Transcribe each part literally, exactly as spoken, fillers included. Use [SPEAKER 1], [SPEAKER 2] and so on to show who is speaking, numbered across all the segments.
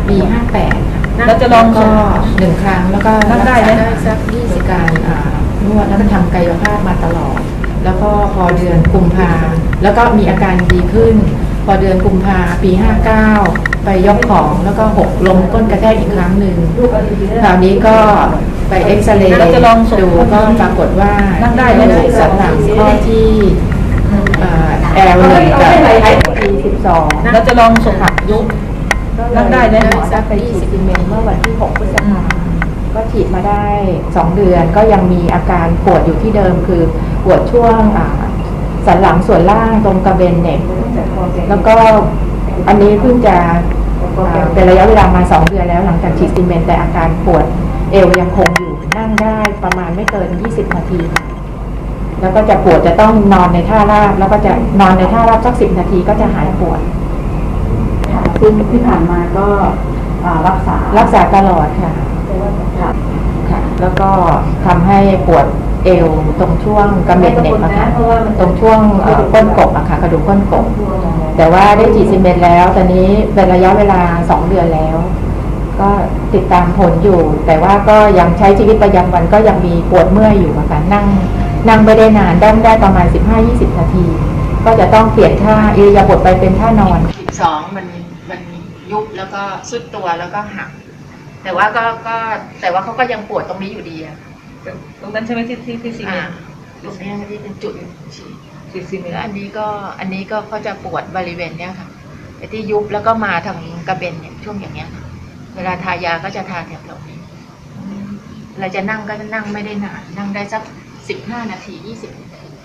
[SPEAKER 1] ปีห้าแปด
[SPEAKER 2] เราจะลอง
[SPEAKER 1] ก็หนึ่งครั้งแล้วก็
[SPEAKER 2] นั่งได้ไหม
[SPEAKER 1] สักยี่สิบการนวดแล้วก็ทำกายภาพมาตลอดแล้วก็พอเดือนกุมภาแล้วก็มีอาการดีขึ้นพอเดือนกุมภาปีห้าเก้าไปยกของแล้วก็หกลงก้นกระแทกอีกครั้งหนึ่งคราวนี้ก็ไปเอ็กซเรย์ดูก็ปรากฏว่า
[SPEAKER 2] นั่งได้ไหม
[SPEAKER 1] สันหลังข้อที่แอลหนึ่งกับไอทีสิบสอง
[SPEAKER 2] เราจะลองส่งผักยุบนั่งได้ไหม
[SPEAKER 1] หมอได้ไปฉีดซีเมนต์เมื่อวันที่หกพฤษภาคมก็ฉีดมาได้สองเดือนก็ยังมีอาการปวดอยู่ที่เดิมคือปวดช่วงสันหลังส่วนล่างตรงกระเบนเน็กแล้วก็อันนี้เพิ่งจะเป็นระยะเวลามาสองเดือนแล้วหลังจากฉีดซีเมนต์แต่อาการปวดเอวยังคงอยู่นั่งได้ประมาณไม่เกินยี่สิบนาทีแล้วก็จะปวดจะต้องนอนในท่าราบแล้วก็จะนอนในท่าราบสักสิบนาทีก็จะหายปวด
[SPEAKER 3] ซึ่งที่ผ่านมาก็รักษา
[SPEAKER 1] รักษาตลอดค่ะค่ะแล้วก็ทำให้ปวดเอวตรงช่วงกระเม็ดเน็กอะค่ะตรงช่วงก้นกบอะค่ะกระดูกก้นกบแต่ว่าได้ฉีดซีเมนต์แล้วตอนนี้เป็นระยะเวลาสองเดือนแล้วก็ติดตามผลอยู่แต่ว่าก็ยังใช้ชีวิตประจำวันก็ยังมีปวดเมื่อยอยู่อะค่ะนั่งนั่งไม่ได้นานได้ได้ประมาณ สิบห้าถึงยี่สิบ นาทีก็จะต้องเปลี่ยนท่าอิริยาบถไปเป็นท่านอนสิบสองมันมันยุบแล้วก็สุดตัวแล้วก็หักแต่ว่าก็ก็แต่ว่าเขาก็ยังปวดตรงนี้อยู่ดีอะ
[SPEAKER 2] ตรงนั้นใช่ไหมที่ที่ที่ซีเมนต์
[SPEAKER 1] ตรงนี้ที่เป็นจุดฉีด
[SPEAKER 2] ฉีดซีเมนต์
[SPEAKER 1] แล้วอันนี้ก็อันนี้ก็เขาจะปวดบริเวณเนี้ยค่ะไอ้ที่ยุบแล้วก็มาทางกระเบนเนี่ยช่วงอย่างเงี้ยเวลาทายาก็จะทาแถบตรงนี้เราจะนั่งก็จะนั่งไม่ได้นานนั่งได้สักสิบห้านาทียี่สิบนาที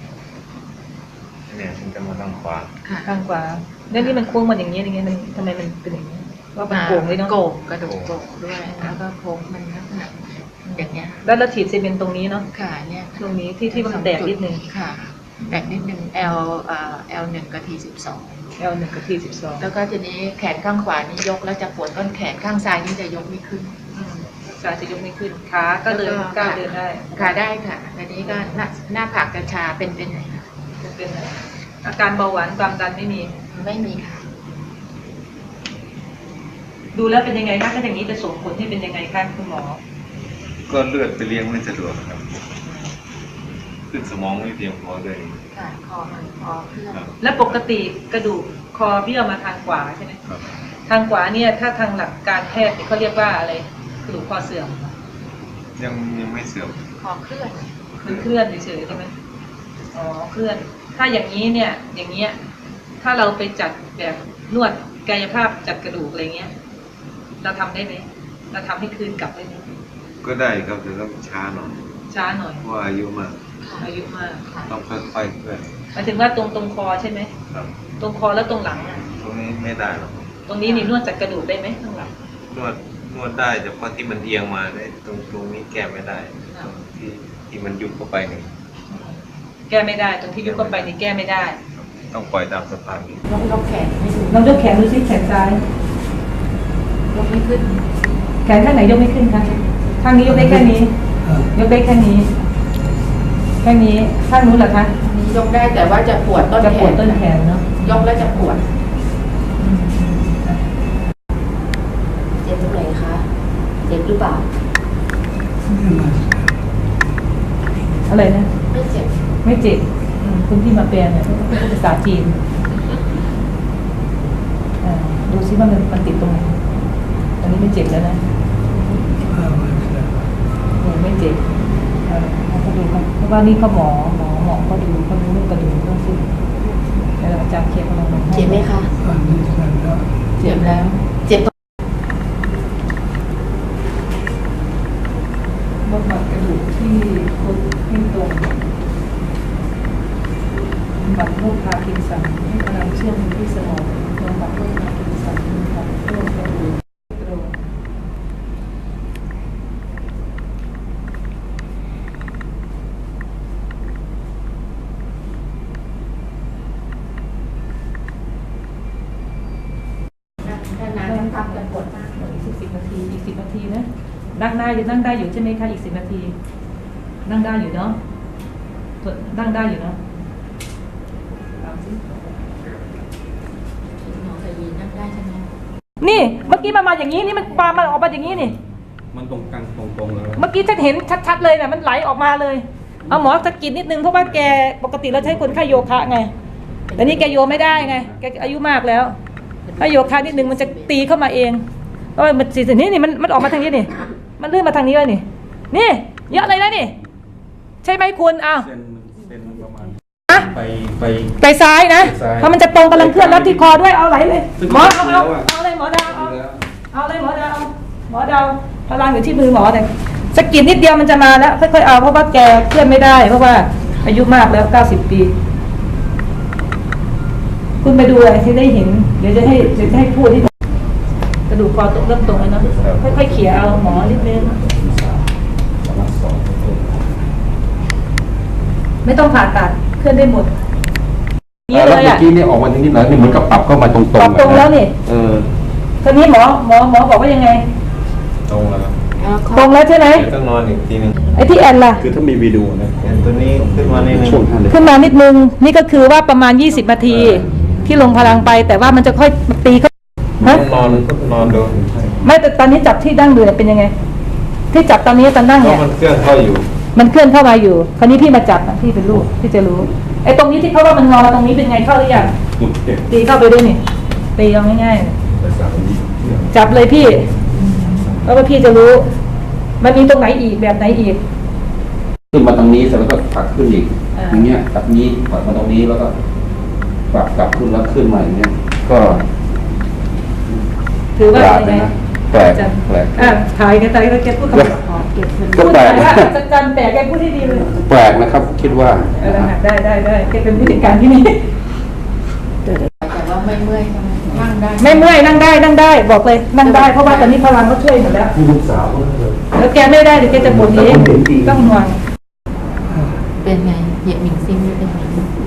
[SPEAKER 4] เนี่ยฉันจะมาทางขวา
[SPEAKER 2] ข้างขวาแล้วนี่มันโค้งมันอย่างเงี้ยอย่างเงี้ยมันทำไมมันเป็นอย่างเงี้ยว่ามันโก่งเลยเนาะ
[SPEAKER 1] โก่งกระดูกโก่งด้วยแล้วก็โค้งมันลักษณะอย่างเงี้ย
[SPEAKER 2] แล้วเราฉีดซีเมนต์ตรงนี้เนาะ
[SPEAKER 1] ค่ะเนี่ย
[SPEAKER 2] ตรงนี้ที่ที่มันแตกนิดนึง
[SPEAKER 1] ค่ะแตกนิดนึง L อ่า L หนึ่งกับ T สิบสอง
[SPEAKER 2] L หนึ่งกับ T สิบสอง
[SPEAKER 1] แล้วก็ทีนี้แขนข้างขวานี่ยกแล้วจะปวดต้นแขนข้างซ้ายนี่จะยกไม่ขึ้น
[SPEAKER 2] ขาจะยกไม่ขึ้นขาก็เดินก้าวเดินได้
[SPEAKER 1] ขาได้ค่ะอันนี้ก็หน้าหน้าผากกระชาเป็นเป็นไหนคะ
[SPEAKER 2] เป็นอาการเบาหวานความดันไม่มี
[SPEAKER 1] ไม่มีค่ะ
[SPEAKER 2] ดูแล้วเป็นยังไงคะถ้าอย่างนี้จะส่งผลให้เป็นยังไงคะคุณหมอ
[SPEAKER 4] ก็เลือดไปเลี้ยงไม่สะดวกครับขึ้นสมองไม่เพียงพอเลย
[SPEAKER 1] ค่ะคอมันคอเคลื่อน
[SPEAKER 2] และปกติกระดูกคอเบี้ยวมาทางขวาใช่ไหมทางขวาเนี่ยถ้าทางหลักการแพทย์เขาเรียกว่าอะไรกระดูกคอเสื่อม
[SPEAKER 4] ยังยังไม่เสื่อม
[SPEAKER 1] คอเคลื่อน
[SPEAKER 2] มันเคลื่อนเฉยๆใช่ไหมอ๋อเคลื่อนถ้าอย่างนี้เนี่ยอย่างเงี้ยถ้าเราไปจัดแบบนวดกายภาพจัดกระดูกอะไรเงี้ยเราทำได้ไหมเราทำให้คืนกลับได้ไหม
[SPEAKER 4] ก็ได้ครับแต่ต้องช้าหน่อย
[SPEAKER 2] ช้าหน่อย
[SPEAKER 4] เพราะอายุมาก
[SPEAKER 2] อายุมาก
[SPEAKER 4] ต้องค่อยๆเคลื่อน
[SPEAKER 2] หมายถึงว่าตรงตรงคอใช่ไหม
[SPEAKER 4] ครับ
[SPEAKER 2] ตรงคอแล้วตรงหลังอ่ะ
[SPEAKER 4] ตรงนี้ไม่ได้หรอก
[SPEAKER 2] ตรงนี้นี่นวดจัดกระดูกได้ไหมข้างหลัง
[SPEAKER 4] นวดนวดได้แต่พอที่มันเอียงมาได้ตรงตรงนี้แก้ไม่ได้ที่ที่มันยุบเข้าไปนี่
[SPEAKER 2] แก้ไม่ได้ตรงที่ยุบเข้าไปนี่แก้ไม่ได้
[SPEAKER 4] ต้องปล่อยตามสภาพนี้
[SPEAKER 1] ลองยกแขนให้ดู
[SPEAKER 2] ลองยกแขนดูสิแขนซ้าย
[SPEAKER 1] ยกไม่ขึ้น
[SPEAKER 2] แขนข้างไหนยกไม่ขึ้นคะข้างนี้ยกได้แค่นี้ยกได้แค่นี้แค่นี้ข้างนู้นเหรอคะ
[SPEAKER 1] นี้ยกได้แต่ว่าจะปวดต้นแขน
[SPEAKER 2] จะปวดต้นแขนเนาะ
[SPEAKER 1] ยกแล้วจะปวด
[SPEAKER 3] เจ็บตรงไหนคะเจ็บหรือเปล่า
[SPEAKER 2] อะไรนะ
[SPEAKER 1] ไม่เจ็บ
[SPEAKER 2] ไม่เจ็บคุณที่มาแปลเนี่ยเขาเป็นภาษาจีนดูซิว่ามันมันติดตรงไหนอันนี้ไม่เจ็บแล้วนะไม่เจ็บเขาดูเพราะว่านี่เขาหมอหมอหมอเขาดูเขาดูเรื่องกระดูกเรื่องซิแล้วอาจารย์เคลียร์เขาลงมา
[SPEAKER 3] เจ็บไหมคะ
[SPEAKER 1] เจ็บแล้ว
[SPEAKER 3] เจ็บ
[SPEAKER 2] บำบัดกระดูกที่คดที่ตรงบำบัดโรคพาร์กินสันให้พลังเชื่อมที่สมองบำบัดโรคพาร์กินสันบำบัดโรคกระดูกกระดูก
[SPEAKER 1] พักกันปวดมาก
[SPEAKER 2] อีกสิบนาทีอีกสิบนาทีนะนั่งได้อยู่นั่งได้อยู่ใช่ไหมคะอีกสิบนาทีนั่งได้อยู่เนาะนั่งได้อยู่เนาะ
[SPEAKER 1] หมอเคยยืนนั่งได้ใช่ไหม
[SPEAKER 2] นี่เมื่อกี้มันมาอย่างนี้นี่มันปามันออกมาอย่างนี้นี่
[SPEAKER 5] มันตรงกลางตรงๆแล้ว
[SPEAKER 2] เมื่อกี้ฉันเห็นชัดๆเลยนะมันไหลออกมาเลยเอาหมอสะกิดนิดนึงเพราะว่าแกปกติเราใช้คนไข้โยคะไงแต่นี่แกโยไม่ได้ไงแกอายุมากแล้วถ้าโยคะนิดนึงมันจะตีเข้ามาเองเพราะมันสิ่งนี้นี่มันมันออกมาทางนี้นี่มันลื่นมาทางนี้เลยนี่นี่เยอะเลยนะนี่ใช่ไหมคุณอ้าว
[SPEAKER 5] เส้นเส้นประมาณ
[SPEAKER 2] อะ
[SPEAKER 5] ไปไป
[SPEAKER 2] ไปซ้ายนะ
[SPEAKER 5] ไปซ้าย
[SPEAKER 2] เพราะมันจะตรงกำลังเคลื่อนรับที่คอด้วยเอาไหลเลย
[SPEAKER 5] ซึ่ง
[SPEAKER 2] หมอเอาเอา
[SPEAKER 5] แล้วอะ
[SPEAKER 2] เอาเลยหมอดาวเอา
[SPEAKER 5] แล้ว
[SPEAKER 2] เอาเลยหมอดาวหมอดาวพลังอยู่ที่มือหมอเลยสะกิดนิดเดียวมันจะมาแล้วค่อยๆเอาเพราะว่าแกเคลื่อนไม่ได้ เพราะว่าอายุมากแล้วเก้าสิบปี คุณไปดูอะไรที่ได้เห็นเดี๋ยวจะให้เดี๋ยวจะให้พูดที่กระดูกคอตรงเริ่มตรงแล้วเนาะค่อยๆเขี่ยเอาหมอนิดนึงไม่ต้องผ่าตัดเคลื่อนได้หมดนี่
[SPEAKER 5] แล้ว
[SPEAKER 2] เลย
[SPEAKER 5] เมื่อ
[SPEAKER 2] อ่ะ
[SPEAKER 5] กี้เนี่ยออกมาทางนี้แล้วนี่เหมือนกับปรับเข้ามาตรงๆ
[SPEAKER 2] ปรับตรงแล้วนี่
[SPEAKER 5] เออ
[SPEAKER 2] ตอนนี้หมอหมอหมอบอกว่ายังไง
[SPEAKER 5] ตรงแล้วครับ
[SPEAKER 2] ตรงแล้วใช่ไหม
[SPEAKER 4] เดี๋ยวต้องนอนอีกทีหนึง
[SPEAKER 2] ไอ้ที่แอนล่ะ
[SPEAKER 5] คือถ้ามีวิดีโอนะ
[SPEAKER 4] แอนตัวนี้ขึ้นมาในหนึง
[SPEAKER 5] ช่วงท่านเลย
[SPEAKER 2] ขึ้นมานิดนึงนี่ก็คือว่าประมาณยี่สิบนาทีที่ลงพลังไป แต่ว่ามันจะค่อยตีเข้าฮะ
[SPEAKER 4] ต้องนอนนอนดู
[SPEAKER 2] ไม่แต่ตอนนี้จับที่ดั้งเดือเป็นยังไง ที่จับตอนนี้ตอนนั่ง
[SPEAKER 4] เพ
[SPEAKER 2] เนี่
[SPEAKER 4] ราะ
[SPEAKER 2] ย
[SPEAKER 4] มันเคลื่อนเข้าอยู่
[SPEAKER 2] มันเคลื่อนเข้ามาอยู่ คราวนี้พี่มาจับนะพี่เป็นลูกพี่จะรู้ ไอ้ตรงนี้ที่เขาว่ามันงอตรงนี้เป็นไงเข้าหรือยัง
[SPEAKER 5] สุดเด็ด
[SPEAKER 2] ตีเข้าไปด้วยนี่ ตีเอาง่าย
[SPEAKER 5] ภาษาอังกฤษ
[SPEAKER 2] ๆจับเลยพี่เพราะว่าพี่จะรู้ มันมีตรงไหนอีกแบบไหนอีก
[SPEAKER 5] ขึ้นมาตรงนี้เสร็จแล้วก็ผลักขึ้นอีก
[SPEAKER 2] อ่า
[SPEAKER 5] อย่างเงี้ยแบบนี้ผลักมาตรงนี้แล้วก็ปรับกลับขึ้นแล้วขึ้นมาอย่างเงี้ยก็
[SPEAKER 2] ถือว่า
[SPEAKER 5] แปลก
[SPEAKER 2] เป็นไง
[SPEAKER 5] นะแปลกแปลก
[SPEAKER 2] อ่ะถ่ายกันถ่ายกันแกพูดคำขอเก็บเงิน
[SPEAKER 5] ก็
[SPEAKER 2] พูด
[SPEAKER 5] แปล
[SPEAKER 2] ถ่าก ย
[SPEAKER 5] นะ
[SPEAKER 2] ว่าจัดจันแปลกแกพูดให้ดีเลย
[SPEAKER 5] แปลกนะครับ คิดว่า
[SPEAKER 2] เออได้ได้ได้แกเป็นผู้จัดการที่นี่
[SPEAKER 1] แต่ว่าไม่เมื่อยใช่ไหมนั่งได้
[SPEAKER 2] ไม่เมื่อยนั่งได้นั่งได้บอกเลยนั่งได้เพราะว่าตอนนี้พลังเขาช่วยหมดแล้ว
[SPEAKER 5] ที่ลูกสาวก็เลย
[SPEAKER 2] แล้วแกไม่ได้เดี๋ยวแกจะบ่นเองต้องห่วง
[SPEAKER 1] เป็นไงเหยียบหมิงซิมนี่เป็นไง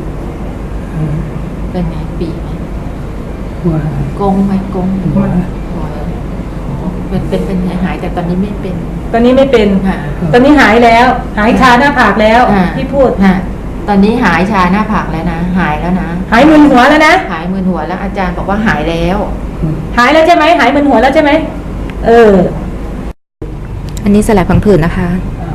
[SPEAKER 1] เป็นไงปีไหมกงไหมกงหัวเป็นเป็นเป็นหายหายแต่ตอนนี้ไม่เป็น
[SPEAKER 2] ตอนนี้ไม่เป็น
[SPEAKER 1] ค่ะ
[SPEAKER 2] ตอนนี้หายแล้ว หายชาหน้าผากแล้ว
[SPEAKER 1] ค่ะ
[SPEAKER 2] ที่พูด
[SPEAKER 1] ค่ะตอนนี้หายชาหน้าผากแล้วนะหายแล้วนะ
[SPEAKER 2] หายมึนหัวแล้วนะ
[SPEAKER 1] หายมึนหัวแล้วอาจารย์บอกว่าหายแล้ว
[SPEAKER 2] หายแล้วใช่ไหมหายมึนหัวแล้วใช่ไหมเออ
[SPEAKER 1] อันนี้สลายพังผืดนะคะ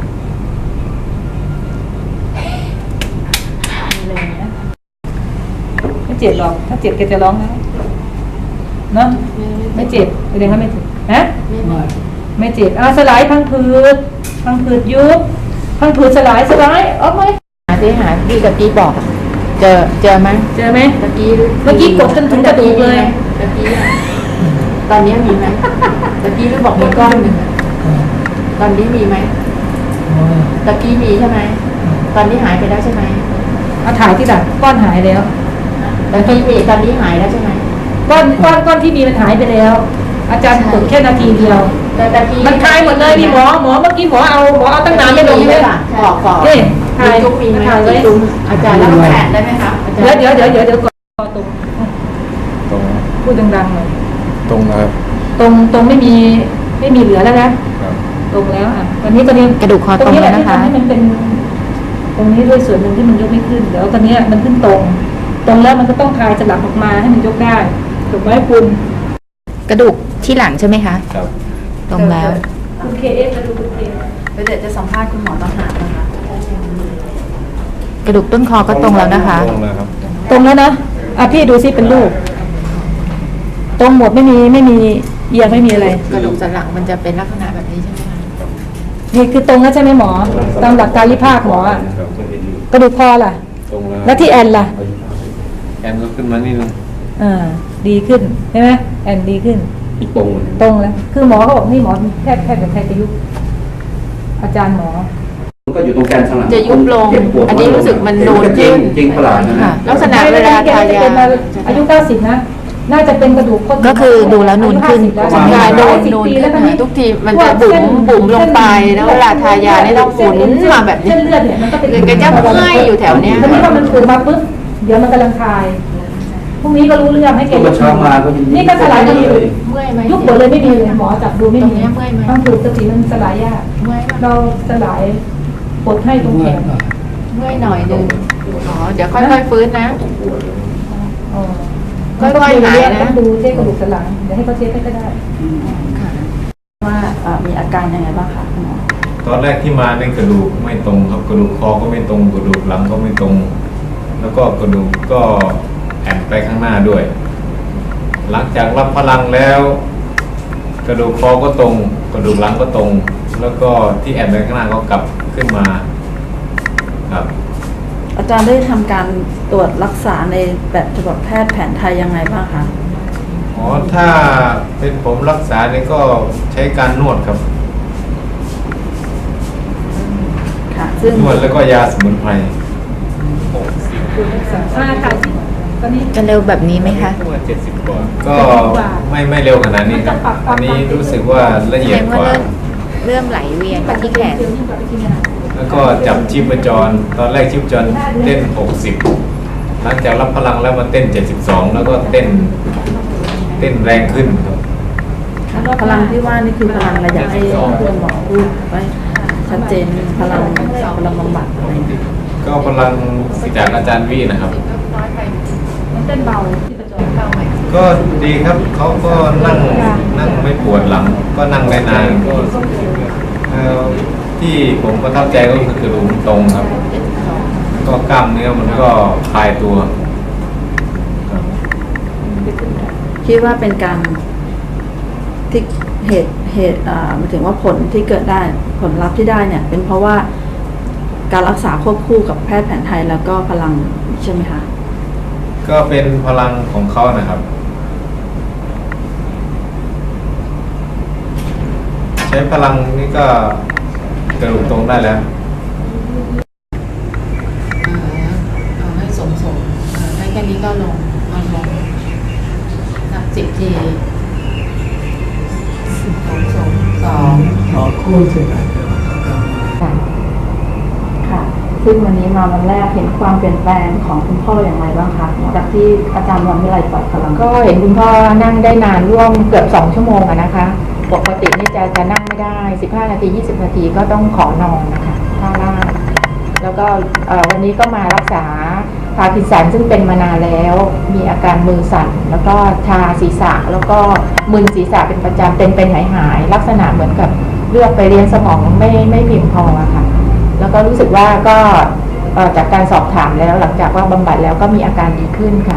[SPEAKER 2] ไม่เจ็บหรอกถ้าเจ็บแกจะร้องนะเนาะไม่เจ็บแสดงว่าไม่เจ็บฮะไม่เจ็บอ่าสลายพังผืดพังผืดยุบพังผืดสลายสลายออกไหม
[SPEAKER 1] หาที่หาที่ตะกี้บอกอะเจอเจอไหม
[SPEAKER 2] เจอไหม
[SPEAKER 1] ตะกี้
[SPEAKER 2] เมื่อกี้กดจนถึงกระดูกเลย
[SPEAKER 1] ตะกี้อะตอนนี้มีไหมตะกี้รู้บอกมีก้อนหนึ่งอะตอนนี้มีไหมตะกี้มีใช่ไหมตอนนี้หายไปแล้วใช่ไหม
[SPEAKER 2] เอาถ่ายที่ดักก้อนหายแล้ว
[SPEAKER 1] ตะกี้มีตอนนี้หายแล้วใช่ไหม
[SPEAKER 2] ก้อนก้อนก้อนที่มีมันหายไปแล้ว อาจารย์กดแค่นาทีเดียว
[SPEAKER 1] แต่ตะกี้
[SPEAKER 2] มันคลายหมดเลยนี่หมอหมอเมื่อกี้หมอเอาหมอเอาตั้งนานไม่ลง
[SPEAKER 1] มี
[SPEAKER 2] เลย
[SPEAKER 1] ล่ะบอกก่อน
[SPEAKER 2] นี่ถ่าย
[SPEAKER 1] จุกมีไหม
[SPEAKER 2] ถ่ายไว้
[SPEAKER 1] จุกอาจารย์แล้วแผนได้ไหมคะอาจารย์
[SPEAKER 2] เดี๋ยวเดี๋ยวเดี๋ยวเดี๋ยวเดี๋ยวก่อนตรง
[SPEAKER 5] ตรง
[SPEAKER 2] พูดดังๆหน่อย
[SPEAKER 5] ตรงนะครับ
[SPEAKER 2] ตรงตรงไม่มีไม่มีเหลือแล้วนะ
[SPEAKER 5] ครับ
[SPEAKER 2] ตรงแล้วอ่ะตอนนี้ตอนนี้
[SPEAKER 1] กระดูกคอตรง
[SPEAKER 2] นี้แห
[SPEAKER 1] แล้
[SPEAKER 2] ละ
[SPEAKER 1] ว
[SPEAKER 2] ที่
[SPEAKER 1] นะคะ
[SPEAKER 2] ทำให้มันเป็น ตรงนี้ด้วยส่วนหนึ่งที่มันยกไม่ขึ้นเดี๋ยวตอนนี้มันขึ้นตรง ตรงแล้วมันก็ต้องคลายสลับออกมาให้มันยกได้ถูกไหมคุณ
[SPEAKER 1] กระดูกที่หลังใช่ไหมคะ
[SPEAKER 5] ครับ
[SPEAKER 1] ตรงแล้ว
[SPEAKER 2] คุณเคเอสมาดูคุณเค
[SPEAKER 3] เดี๋ยวจะสัมภาษณ์คุณหมอต่างหากนะคะ
[SPEAKER 1] กระดูกต้นคอก็ตรงแล้วนะคะ
[SPEAKER 5] ตรงแล้วครับ
[SPEAKER 2] ตรงแล้วนะอ่ะพี่ดูซิเป็นรูปตรงหมดไม่มีไม่มีเอียงไม่มีอะไร
[SPEAKER 1] กระดูกสันหลังมันจะเป็นลักษณะแบบนี้ใช่ไหมคะ
[SPEAKER 2] นี่คือตรงแล้วใช่ไหมหมอ ตามหลักการริภาคหมออะ
[SPEAKER 5] ครับก็เห็นอยู่
[SPEAKER 2] กระดูกคอล่ะ
[SPEAKER 5] ตรงแล้ว
[SPEAKER 2] แล้วที่แอนล่ะ
[SPEAKER 4] แอนก็ขึ้นมานี่นึง
[SPEAKER 2] อ่า ดีขึ้นใช่ไหมแอนดีขึ้น
[SPEAKER 5] อีกตรงเลย
[SPEAKER 2] ตรงแล้ว คือหมอเขาบอกนี่หมอแพทย์แพทย์กับแพทย์ประยุกต์อาจารย์หมอ
[SPEAKER 5] มันก็อยู่ตรงแกนสันหลัง
[SPEAKER 1] จะยุบลง
[SPEAKER 5] เจ็บปวด
[SPEAKER 1] อันนี้รู้สึกมันนูน
[SPEAKER 5] จริ
[SPEAKER 1] ขึ้
[SPEAKER 5] ง
[SPEAKER 1] น
[SPEAKER 5] จริงประหลาดนะ
[SPEAKER 1] ค่ะ
[SPEAKER 5] ฮะ
[SPEAKER 1] ลักษณะเวลาทายา
[SPEAKER 2] อายุเก้าสิบนะ น่าจะเป็นกระดูกคด
[SPEAKER 1] ก็คือดูแล้วนูนขึ้น
[SPEAKER 2] อายุ
[SPEAKER 1] ใช่
[SPEAKER 2] ห้าสิบ
[SPEAKER 1] นู
[SPEAKER 2] แล้ว
[SPEAKER 1] นนูน
[SPEAKER 2] สิบปี
[SPEAKER 1] ขึ้
[SPEAKER 2] แล้ว
[SPEAKER 1] น
[SPEAKER 2] ตอนนี้
[SPEAKER 1] ทุกทีมันจะบุ๋มบุ๋มลงไปแล้วเวลาทายานี่ต้องหมุนมาแบบนี้
[SPEAKER 2] เส้นเลือดเนี่ยมันก็เป็น
[SPEAKER 1] คือแกจะเมื่อยอยู่แถวเนี้ย
[SPEAKER 2] ทีนี้พอมันถูกมาปุ๊บเดี๋ยวมันกำลังคลายพรุ่งนี้ก็รู้เรื่องให้แก
[SPEAKER 5] เมื่อเช้ามาก็ยัง
[SPEAKER 2] นี่ก็สลายกันอยู่
[SPEAKER 1] เมื่อยไหม
[SPEAKER 2] ยุบหมดเลยไม่มีเลยหมอจับดูไม่
[SPEAKER 1] ตรง
[SPEAKER 2] มี
[SPEAKER 1] เนี้ยเมื่อยไหม
[SPEAKER 2] ต้องถูกสติมันสลายยาก
[SPEAKER 1] เมื่อยปะ
[SPEAKER 2] เราสลายปลดให้ตรงแขน
[SPEAKER 1] เมื่อยหน่อยนึงอ๋อเดี๋ยวค่อยๆฟื้นนะ
[SPEAKER 2] อ๋อ
[SPEAKER 1] ค่อยๆหายนะ
[SPEAKER 2] ต้องดูเช็คกระดูกสันหลังเดี๋ยวให้เขาเช็คให้ก็ได้
[SPEAKER 1] ค่ะ
[SPEAKER 3] ว่าเอ่อมีอาการยังไงบ้างคะคุณหมอ
[SPEAKER 6] ตอนแรกที่มาในกระดูกไม่ตรงครับกระดูกคอก็ไม่ตรงกระดูกหลังก็ไม่ตรง แล้วก็กระดูกก็แอนไปข้างหน้าด้วย หลังจากรับพลังแล้ว กระดูกคอก็ตรง กระดูกหลังก็ตรง แล้วก็ที่แอนไปข้างหน้าก็กลับขึ้นมาครับ
[SPEAKER 3] อาจารย์ได้ทำการตรวจรักษาในแบบฉบับแพทย์แผนไทยยังไงบ้างคะ
[SPEAKER 6] อ๋อถ้าเป็นผมรักษาเนี่ยก็ใช้การนวดครับ
[SPEAKER 3] ค่ะ ซึ่ง
[SPEAKER 6] นวดแล้วก็ยาสมุนไพร
[SPEAKER 2] อ่าค่ะตอนนี้
[SPEAKER 1] จะเร็วแบบนี้ไหมคะ
[SPEAKER 6] เจ็ดสิบกว่าก็ไม่ไม่เร็วขนาดนี้ครับ อันนี้รู้สึกว่าละเอียดกว่า
[SPEAKER 1] เริ่มไหลเวียนมาที่แขน
[SPEAKER 6] แล้วก็จับชีพจร ตอนแรกชีพจรเต้น หกสิบ หลังจากรับพลังแล้วมาเต้น เจ็ดสิบสอง แล้วก็เต้นเต้นแรงขึ้นครับ
[SPEAKER 3] พลังที่ว่านี่คือพลังอะไรอยากให้คุณหมอพูดไว้ชัดเจนพลังพลังบำบัดอะไรอย่างเงี้ย
[SPEAKER 6] ก็พลังจากอาจารย์วีนะครับ
[SPEAKER 2] มันเต้นเบาที่ประจรเข้าไหม
[SPEAKER 6] ก็ดีครับ เขาก็นั่งนั่งไม่ปวดหลัง ก็นั่งได้นานก็เอ่อที่ผมประทับใจก็คือกระดูกตรงครับ ก็กล้ามเนื้อมันก็คลายตัวครับ
[SPEAKER 3] คิดว่าเป็นการที่เหตุเหตุอ่าหมายถึงว่าผลที่เกิดได้ผลลัพธ์ที่ได้เนี่ย เป็นเพราะว่าการรักษาควบคู่กับแพทย์แผนไทยแล้วก็พลังใช่ไหมคะ
[SPEAKER 6] ก็เป็นพลังของเขานะครับ ใช้พลังนี่ก็กระดูกตรงได้แล้ว
[SPEAKER 1] เอาให้สมสมให้แค่นี้ก็ลงนอนลงนับสิบทีสมสมสองค่ะ
[SPEAKER 3] ค่ะ ซึ่งวันนี้มาวันแรกเห็นความเปลี่ยนแปลงของคุณพ่ออย่างไรบ้างคะหลังจากที่อาจารย์วันวิไลปล่อยพลัง
[SPEAKER 1] ก็เห็นคุณพ่อนั่งได้นานร่วมเกือบสองชั่วโมงอะนะคะ ปกตินี่จะจะนั่งไม่ได้สิบห้านาทียี่สิบนาทีก็ต้องขอนอนนะคะท่าล่างแล้วก็เอ่อวันนี้ก็มารักษาพาร์กินสันซึ่งเป็นมานานแล้ว มีอาการมือสั่น แล้วก็ชาศีรษะ แล้วก็มึนศีรษะเป็นประจำเป็นเป็นหายหายๆลักษณะเหมือนกับเลือดไปเลี้ยงสมองไม่ไม่เพียงพออะค่ะ แล้วก็รู้สึกว่าก็เอ่อจากการสอบถามแล้วหลังจากว่าบำบัดแล้วก็มีอาการดีขึ้นค่ะ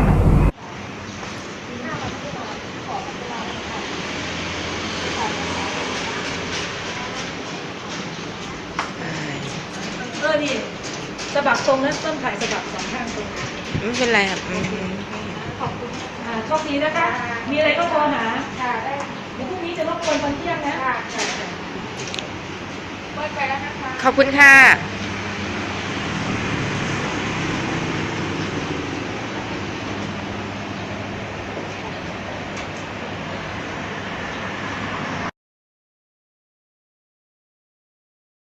[SPEAKER 2] เออดิสะบักตรงนะต้นถ่ายสะบักสองข้างตรง
[SPEAKER 1] ไม่เป็นไรครับ
[SPEAKER 2] ขอบคุณอ่าโชคดีนะคะ มีอะไรก็โทรหาค่ะได้เดี๋ยวพรุ่งนี้จะรบกวนตอนเที่ยงนะค่ะ
[SPEAKER 1] ขอบคุณค่ะ
[SPEAKER 2] ค